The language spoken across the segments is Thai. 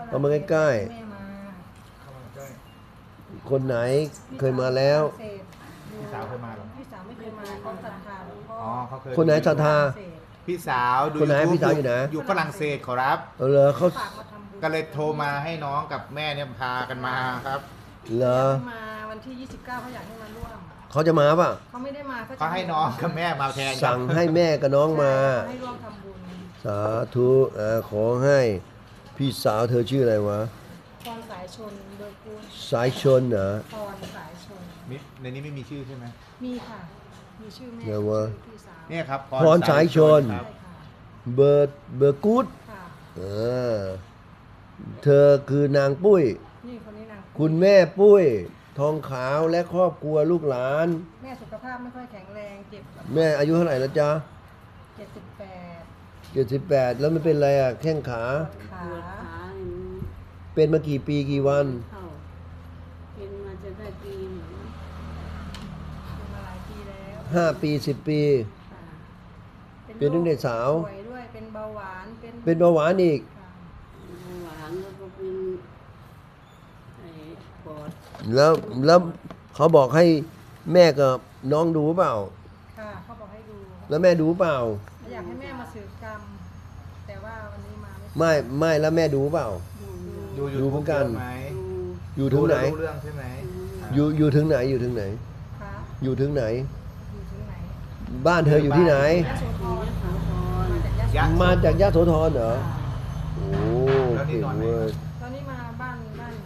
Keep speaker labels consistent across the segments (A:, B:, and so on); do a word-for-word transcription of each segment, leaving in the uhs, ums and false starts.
A: เอามาใกล้ๆ
B: แม่มา
C: เข้ามาใกล้
A: คนไหนเคยมาแล้ว
C: พี่สาวเคยมาเหรอ
B: พี่สาวไม่เคยมาเขาศรัทธาหลวงพ่อ
C: อ๋อเขาเคย
A: คนไหนศรัทธา
C: พี่สาวดู
A: คนไหน
C: YouTube
A: พี่สาวอยู่ไหน
C: อยู่ฝรั่งเศสขอรับ
A: เอาเหรอเขา
B: ฝากมาทำบุญ
C: ก็เลยโทรมาให้น้องกับแม่เนี่ยพากันมาครับ
A: เหรอ
B: อยากให้มาวันที่ยี่สิบเก้าเขาอยากให้มาร่วม
A: เขาจะมาป่ะ
B: เขาไม่ได้มาเขาจะ
C: เขาให้น้องกับแม่มาแทนครับ
A: สั่งให้แม่กับน้องมา
B: ให้ร่วมทำบุญ
A: สาธุอ่าขอให้พี่สาวเธอชื่ออะไรวะ
B: พรสายชนโดยกุล
A: สายชนเหรอ
B: พรสายชน
C: มิในนี้ไม่มีชื่อใช่ไหม
B: มีค่ะ มีชื่อแม่
A: เดี๋ยววะ
B: ชื่อพี่สาว
C: เนี่ยครับ
A: พรสายชน
C: ครับ
B: ใช่ค่ะ
A: เบอร์เบอร์กูด
B: ค่ะ
A: เออเธอคือนางปุ้ย
B: นี่คนนี้นาง
A: คุณแม่ปุ้ย ทองขาวและครอบครัวลูกหลาน
B: แม่สุขภาพไม่ค่อยแข็งแรงเจ็บ
A: แม่อายุเท่าไหร่แล้วจ๊ะ
B: เจ็ดสิบแปด
A: เจ็ดสิบแปดแล้วไม่เป็นไรอ่ะแข้งขา
B: ขา
D: ปวดขาอย่างนี้
A: เป็นมากี่ปีกี่วัน
D: เข้าเป็นมาจะได้ปีหนึ่ง
B: เป็นมาหลายปีแล้ว
A: ห้าปีสิบปี
D: ค่ะ
A: เป็นตั้งแต่สาว
B: ป่วยด้วยเป็นเบาหวานเป็น
A: เป็นเบาหวานอีก
B: ค่ะ
D: เบาหวานแล้วก็เป็นไอ้ปอด
A: แล้วแล้วเขาบอกให้แม่กับน้องดูเปล่า
B: ค่ะเขาบอกให้ดู
A: แล้วแม่ดูเปล่า
B: อยากให้แม่มาสื่อกรรม แต่ว่าวันนี้มาไม่
A: ไม่ไม่แล้วแม่ดูเปล่า
D: ดู
C: ดู
A: ดูเหมือนกัน
C: YouTube ไหม
D: ดู
A: อยู่ถึงไหน
C: ดูแล้วรู้เรื่องใช่ไหม
A: อยู่อยู่ถึงไหนอยู่ถึงไหน
B: ค่ะ
A: อยู่ถึงไหน
B: อยู่ถึงไหน
A: บ้านเธออยู่ที่ไหน
B: ยะโสธ
D: ดู
B: ร
D: ยะโสธร
B: มาจากยะโส
C: ยะ
B: ธร
A: มาจากยะโสธรเหรอ
B: ค่ะ
A: โอ้
C: แล้วนี่
A: เก่ง
C: นอนไหน
A: เว้ย
B: ตอนนี้มาบ้านบ้านหนู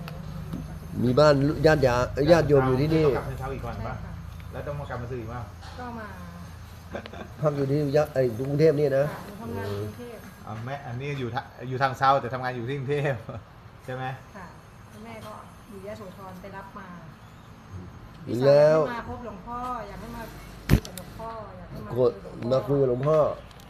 A: มีบ้านญาติยาญาติโยมอยู่ที่นี่
C: ต้องกลับเช้าอีกก่อน
B: ใช่
C: ปะ
B: ค่ะ
C: แล้วต้องมากลับมาซื้ออีกว่า
B: ก็มา
A: พักอยู่ที่ยะไอ้กรุงเทพนี่นะ
B: ค่ะหนูทำงานอยู่กรุงเทพ
C: อ๋อแม่อันนี้อยู่ทะอยู่ทางเซาแต่ทำงานอยู่ที่กรุงเทพ ใช่ไหม
B: ค่ะแล้วแม่ก็อยู่ยะโสธรไปรับมา
A: แล้ว
B: อยากให้มาพบหลวงพ่ออยากให้มาคุยกับหลวงพ่ออยากให้มา
A: โกรธมาคุยกับหลวงพ่อ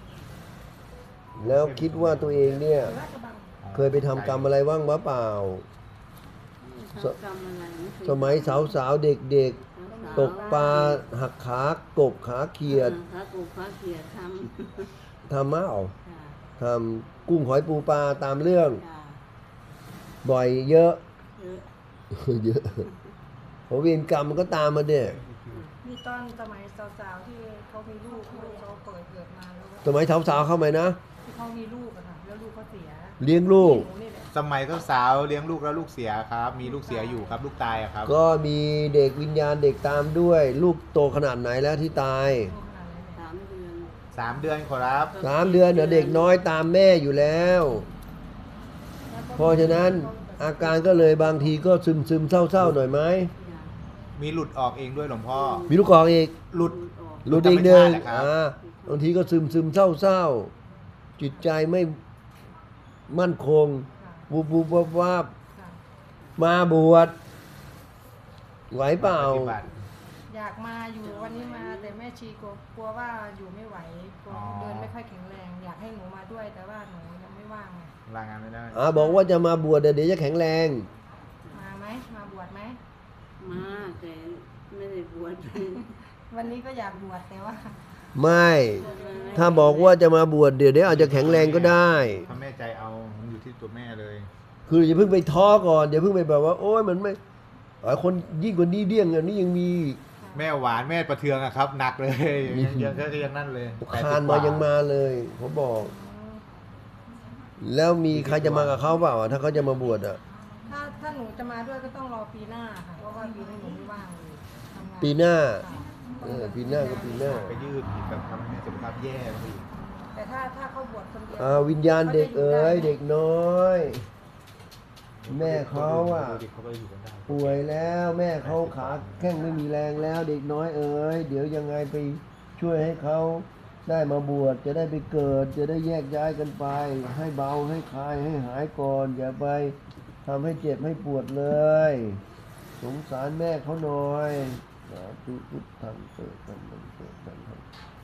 A: แล้วคิดว่าตัวเองเนี่ย
B: ราชบัง
A: เคยไปทำกรรมอะไรบ้างวะเปล่า
D: ทำกรรมอะไรไม่เค
A: สมัยสาวๆเด็ก
D: รัษา
A: ๆ ตกปลาหักขากบขาเขียด
D: พระกูพระเขียดท
A: ทำมาเอา
D: ำค่ะ
A: ทำกุ้งหอยปูปลาตามเรื่อง
D: จ้ะ
A: บ่อยเยอะ
D: เยอะ
A: เยอะเพราะเวรกรรมมันก็ตามมาเด็ก
B: มีตอนสมัยสาวๆที่เขามีลูกลูกเขาเปิดเกิดมาแล้ว
A: สมัยสาวๆเข้ามานะ
B: ที่เขามีลูกอะค่ะแล้วลูกเขาเสีย
A: เลี้ยงลูก
B: หนูนี่แหละ
C: สมัยก็สาวเลี้ยงลูกแล้วลูกเสียครับ มีลูกเสียอยู่ครับ ลูกตายอะครับ
A: ก็มีเด็กวิญญาณเด็กตามด้วย ลูกโตขนาดไหนแล้วที่ตาย
B: ลูกขนาดไหนเนี่ย
D: สามเดือน
C: สามเดือนขอรับ
A: สามเดือนเดี๋ยวเด็กน้อยตามแม่อยู่แล้ว
B: แล้วก็
A: เพราะฉะนั้นอาการก็เลยบางทีก็ซึมซึมๆเศร้าๆหน่อยไหม
D: จ้ะ
C: มีหลุดออกเองด้วยหลวงพ่อ
A: มีลูกกอกอีก
C: หลุด
D: ออก
A: หลุดอีกหนึ่ง
C: ธรรมชาตินะครับ
A: อ่าบางทีก็ซึมซึมๆเศร้าๆจิตใจไม่มั่นคง
B: ค่ะ
A: บูบูบวับวับ
B: ค่ะ
A: มาบวชไหวเปล่า
C: ปฏิบัติ
B: อยากมาอยู่วันนี้มาแต่แม่ชีกลัวกลัวว่าอยู่ไม่ไหวกลัว
C: อ๋อ
B: เดินไม่ค่อยแข็งแรง อยากให้หนูมาด้วยแต่ว่าหนูยังไม่ว่างไง
C: ลางานไม่ได้
A: อ่าบอกว่าจะมาบวชเดี๋ยวจะแข็งแรง
B: มาไหมมาบวชไหม
D: มาแต่ไม่ได้บวช
B: วันนี้ก็อยากบวชแต่ว่า
A: ไม่ ถ้าบอกว่าจะมาบวชเดี๋ยวเดี๋ยวอาจจะแข็งแรงก็ได้
C: ถ้าแม่ใจเอา มันอยู่ที่ตัวแม่เลย
A: คืออย่าเพิ่งไปท้อก่อนอย่าเพิ่งไปแบบว่า โอ๊ยมันไม่อ๋อคนยิ่งกว่านี้เดี้ยงอันนี้ยังมี
C: แม่หวานแม่ประเทืองอะครับ หนักเลยยังยังก็ยังนั่นเลย
A: คานมายังมาเลยเขาบอก แล้วมีใครจะมากับเขาเปล่าอ่ะถ้าเขาจะมาบวชอ่ะ
B: ถ้าถ้าหนูจะมาด้วยก็ต้องรอปีหน้าค่ะเพราะว่าปีนี้หนูไม่ว่างเลยทำงาน
A: ปีหน้า
B: ค่ะ
A: เออปีหน้าก็ปีหน้า
C: ไปยืดอีกกับทำให้แม่สุขภาพแย่ไปอีก
B: แต่ถ้าถ้าเขาบวชคนเดียว
A: อ่าวิญญาณเด็กเอ๋ยเด็กน้อย แม่เขาอ่ะ
C: ดูดิเขาก็อยู่กันได้
A: ป่วยแล้วแม่เขาขาแข้งไม่มีแรงแล้ว เด็กน้อยเอ๋ยเดี๋ยวยังไงไปช่วยให้เขาได้มาบวชจะได้ไปเกิด จะได้แยกย้ายกันไป ให้เบาให้คลายให้หายก่อน อย่าไปทำให้เจ็บให้ปวดเลย สงสารแม่เขาหน่อยสาธุพุทธังเกิดกันมันเกิดกันครับ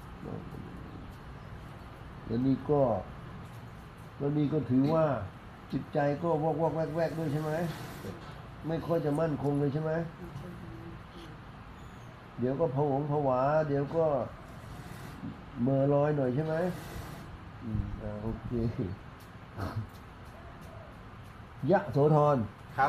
A: แล้วนี่ก็แล้วนี่ก็ถือว่าจิตใจก็วอกวอกแวกแวกด้วยใช่ไหมไม่ค่อยจะมั่นคงเลยใช่ไหมเดี๋ยวก็ผวงผวา เดี๋ยวก็เมื่อลอยหน่อยใช่ไหมอืมอ่าโอเคยะโสธร
C: ครับ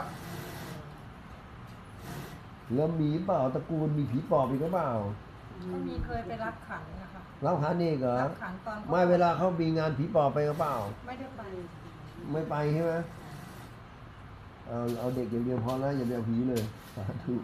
A: แล้วมีเปล่าตระกูลมีผีปอบอีกหรือเปล่า
B: ก็มีเคยไปรับขันนะคะ
A: เล่าขันนี่เหรอ
B: รับขันตอน
A: ไม่เวลาเขามีงานผีปอบไปหรือเปล่า
B: ไม่ได้ไป
A: ไม่ไปใช่ไหมเอาเอาเด็กอย่างเดียวพอแล้วอย่าไปเอาผีเลยสาธุ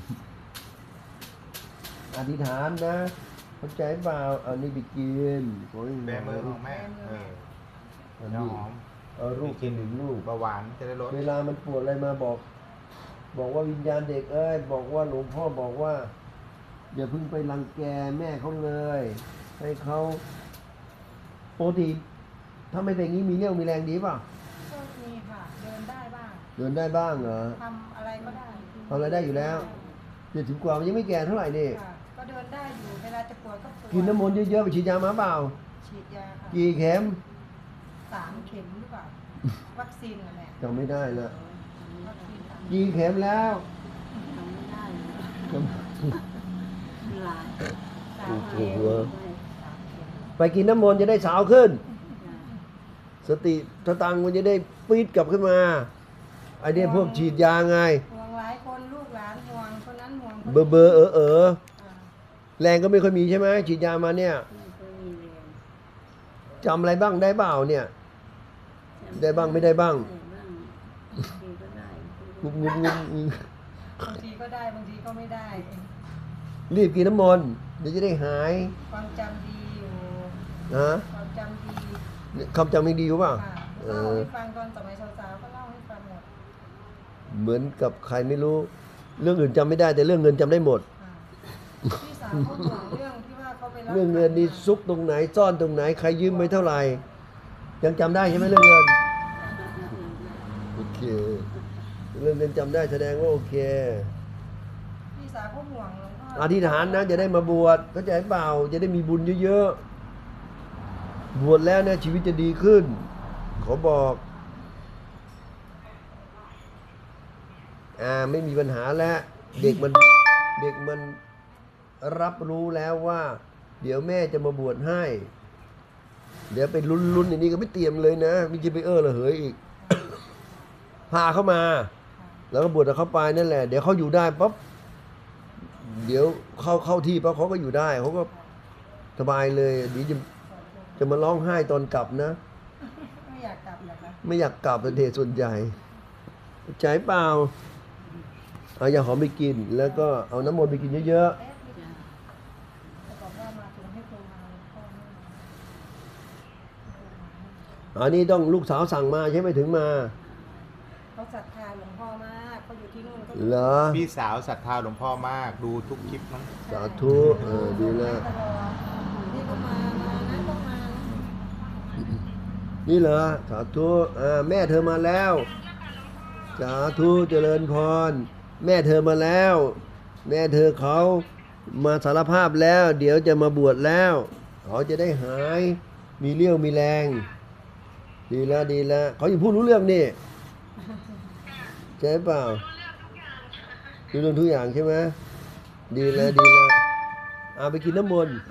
A: อธิษฐานนะเข้าใจเปล่าเอานี่ไปกินโอ้ย
C: แบมือของแม่ เออ
A: อัน
C: น้ำ
A: นี้
C: หอม
A: เอารูปกินหนึ่งลูก
C: เบาหวานจะได้ลด
A: เวลามันปวดอะไรมาบอก บอกว่าวิญญาณเด็กเอ้ยบอกว่าหลวงพ่อบอกว่า อย่าเพิ่งไปรังแกแม่เขาเลย ให้เขาปกติถ้าไม่เป็นอย่างนี้มีเรี่ยวมีแรงดีป่ะ
B: ก็มีค่ะ เดินได้บ้าง
A: เดินได้บ้างเหรอ
B: ทำอะไรก็ได้
A: ทำอะไรได้อยู่แล้วเจ็ดสิบกว่ามันยังไม่แก่เท่าไหร่นี่
B: ค่ะก็เดินได้อยู่เวลาจะปวดก็ปวด
A: กินน้ำมนต์เยอะๆไปฉีดยามาเปล่า
B: ฉีดยาค่ะ
A: กี่เข็ม
B: สามเข็มหรือเปล่าวัคซีนอะไร
A: จำไม่ได้ละ
B: วัคซีนสาม
A: กี่เข็มแล้ว
D: ทำไม่ได้เลย
A: จำ
D: หลาย
B: สา
A: โอ้
B: ม
A: โห
B: เข็ม
D: ไม่
B: สามเข็ม
A: ไปกินน้ำมนต์จะได้สาวขึ้น
D: จ้ะ
A: สติสตังค์มันจะได้ปี๊ดกลับขึ้นมาไอเนี้ยพวกฉีดยาไง
B: ห่วงหลายคนลูกหลานห่วงคนนั้นห่วงคน
A: เบอร์เบอร์เออเออ
B: อ่า
A: แรงก็ไม่ค่อยมีใช่ไหมฉีดยามาเนี่ย
D: ไม่ค่อยมีแรง
A: จำอะไรบ้างได้เปล่าเนี่ย ได้บ้างไม่ได้บ้าง
D: ได้บ้างบางทีก็ได้
A: งุบงุบงุบงุบบ
B: างทีก็ได้บางทีก็ไม่ได้
A: รีบกินน้ำมนต์เดี๋ยวจะได้หาย
B: ความจำดีอยู่
A: นะ
B: ความจำดี
A: คำจำไม่ดีหรือเปล่า
B: ค่ะ
A: เอ
B: เล่า
A: อ
B: ให้ฟังตอนสมัยสาวๆก็เล่าให้ฟังหมด
A: เหมือนกับใครไม่รู้ เรื่องอื่นจำไม่ได้แต่เรื่องเงินจำได้หมด
B: ค่ะพี่สาวเขาห่วงเรื่องที่ว่าเขาไปรับ
A: เรื่องเงินนี่ซุกตรงไหนซ่อนตรงไหนใครยืมไปเท่าไหร่ ยังจำได้ใช่ไหมเรื่องเงินโอเคเรื่องเงินจำได้แสดงว่าโอเค
B: พี่สาวเขาห่วงหลวงพ่อ
A: อ
B: อ
A: ธิษฐานนะจะได้มาบวชเข้าใจเปล่าจะได้มีบุญเยอะๆบวชแล้วเนี่ยชีวิตจะดีขึ้น ขอบอกอ่าไม่มีปัญหาแล้วเด็กมันเด็กมันรับรู้แล้วว่า เดี๋ยวแม่จะมาบวชให้ เดี๋ยวไปลุ้นๆอย่างนี้ก็ไม่เตรียมเลยนะไมีจะไปเออละเหยอีก พาเข้ามา แล้วก็บวชกับเขาไปนั่นแหละเดี๋ยวเขาอยู่ได้ปั๊บเดี๋ยวเข้าเข้าที่ปั๊บเขาก็อยู่ได้เขาก็สบายเลยเดี๋ยวจะจะมาร้องไห้ตอนกลับนะ
B: ไม่อยากกลับเหรอคะ
A: ไม่อยากกลับเป็นเดชส่วนใหญ่ใจเปล่าเอายาหอมไปกิน แล้วก็เอาน้ำมนต์ไปกินเยอะ
B: แป๊บนิด
D: จ้ะ
B: จะบอกว่ามาถึงให้โทรมาหลวงพ่อไม่มา
A: ๆอันนี้ต้องลูกสาวสั่งมาใช่ไหมถึงมา
B: เขาศรัทธาหลวงพ่อมากเขาอยู่ที่นู่นเขา
A: เหรอ
C: พี่สาวศรัทธาหลวงพ่อมาก ดูทุกคลิปมั้ง
A: สาธุเออดีแล้ว
B: ตลอดนี่ก็มามานั้นก็มา
A: นี่เหรอสาธุอ่าแม่เธอมาแล้ว สาธุเจริญพร แม่เธอมาแล้ว แม่เธอเขามาสารภาพแล้ว เดี๋ยวจะมาบวชแล้วเขาจะได้หายมีเรี่ยวมีแรง ดีแล้วดีแล้วเขาอยู่พูดรู้เรื่องนี่ใช่เปล่ารู้เรื่องทุกอย่างใช่ไหมดีแล้วดีแล้วเอาไปกินน้ำมนต์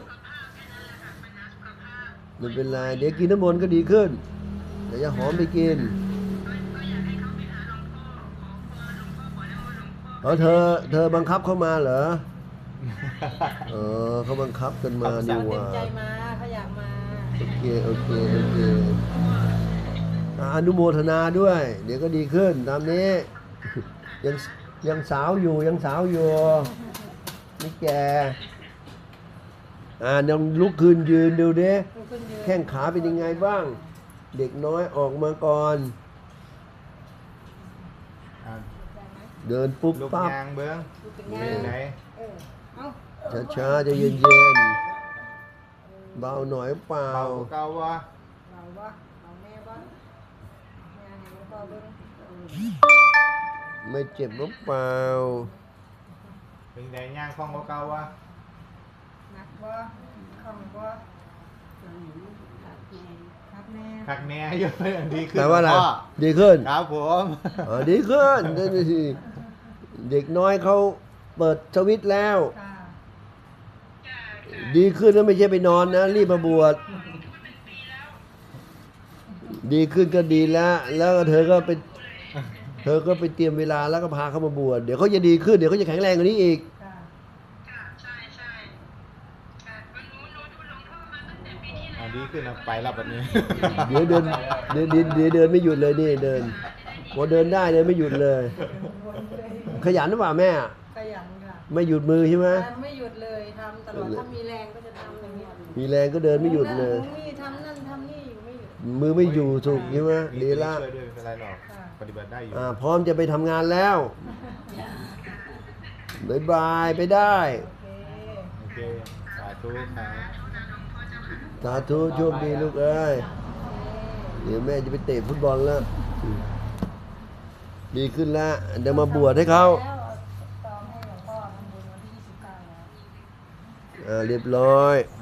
A: ไม่เป็นไรเดี๋ยวกินน้ำมนต์ก็ดีขึ้นเดี๋ยวจะหอมไปกินอ๋อเธอ เธอบังคับเข้ามาเหรอ เออเขาบังคับกันมาดี
B: เขา
A: ก
B: เต็
A: ว่าม
B: ใจมาเขาอยากมา
A: โอเคโอเคโอเคอ่ะอนุโมทนาด้วย เดี๋ยวก็ดีขึ้นตามนี้ ยังยังสาวอยู่ยังสาวอยู่ไม่แก่อ่ายังลุกขึ้นยืนดูดิ
B: ลุกขึ้นยืน
A: แข้งขาเป็นยังไงบ้าง เด็กน้อยออกมาก่อน
C: อ่ะ
B: ได้ไหม
A: เดินปุ๊บ
C: ลูก
A: ปั๊บ
C: ยางเบิ้ง
B: ดูเป็น
C: เป็
B: ไง
C: นไหน
B: เออเอ้า
A: ช้าๆจะเย็นเย็นๆเบาหน่อยเปล่า
C: เบากว่าเก่าวะ
B: เราวะเราแม่วะแม่ให้หลวงพ่อเบิ่ง
A: ไม่เจ็บหรือเปล่า
C: เป็นไหนย่างคล่องกว่าเก่าวะ
B: หนักบ่คล่องบ่
D: ตอนนี้ขาดแรง
B: ครับแม่
C: ขักแหน่เยอะดีขึ้น
A: แปลว่าอะไร
C: หลวงพ่
A: ดีขึ้น
C: ครับผม
A: อ๋อดีขึ้นได้ดีสิเด็กน้อยเขาเปิดสวิตช์แล้ว
B: ค่ะ
A: ดีขึ้นแล้วไม่ใช่ไปนอนนะ รีบมาบวชดีขึ้นก็ดีแล้ว แล้วเธอก็ไปเธอก็ไปเตรียมเวลาแล้วก็พาเขามาบวชเดี๋ยวเขาจะดีขึ้นเดี๋ยวเขาจะแข็งแรงกว่านี้อีก
B: ค่ะ
C: อ่าดีขึ้นนะไปรับวันนี้
A: เดี๋ยวเดินเดี๋ยวเดี๋ยวเดี๋ยวเดินไม่หยุดเลยนี่เดินพอเดินได้เดินไม่หยุดเลย
B: วนเลย
A: ขยันหรือเปล่าแม่
B: ขยันค่ะ
A: ไม่หยุดมือใช่ไหม
B: แต่ไม่หยุดเลยทำตลอดถ้ามีแรงก็จะทำอย่างนี้ย
A: มีแรงก็เดินไม่หยุดเลย
B: นั่นนี่ทำนั่นทำนี่อยู่ไม่หยุด
A: มือไม่อยู่ถูกใช่ไหมดีละ
C: ช่วยด้วยไม่เป็นไรหรอก
B: ค่ะ
C: ปฏิบัติได้อยู่
A: อ่าพร้อมจะไปทำงานแล้วบายบายไปได้
B: โอเค
C: โอเคสาธุครับ
A: สาธุโชคดีลูกเอ้ยเดี๋ยวแม่จะไปเตะฟุตบอลแล้วดีขึ้นแล้วเดี๋ยวมาบวชให้เขา
B: แล้วตองให้หลวงพ่อทำบุญวันที่ยี่สิบเก้าแล้ว
A: อ่าเรียบร้อย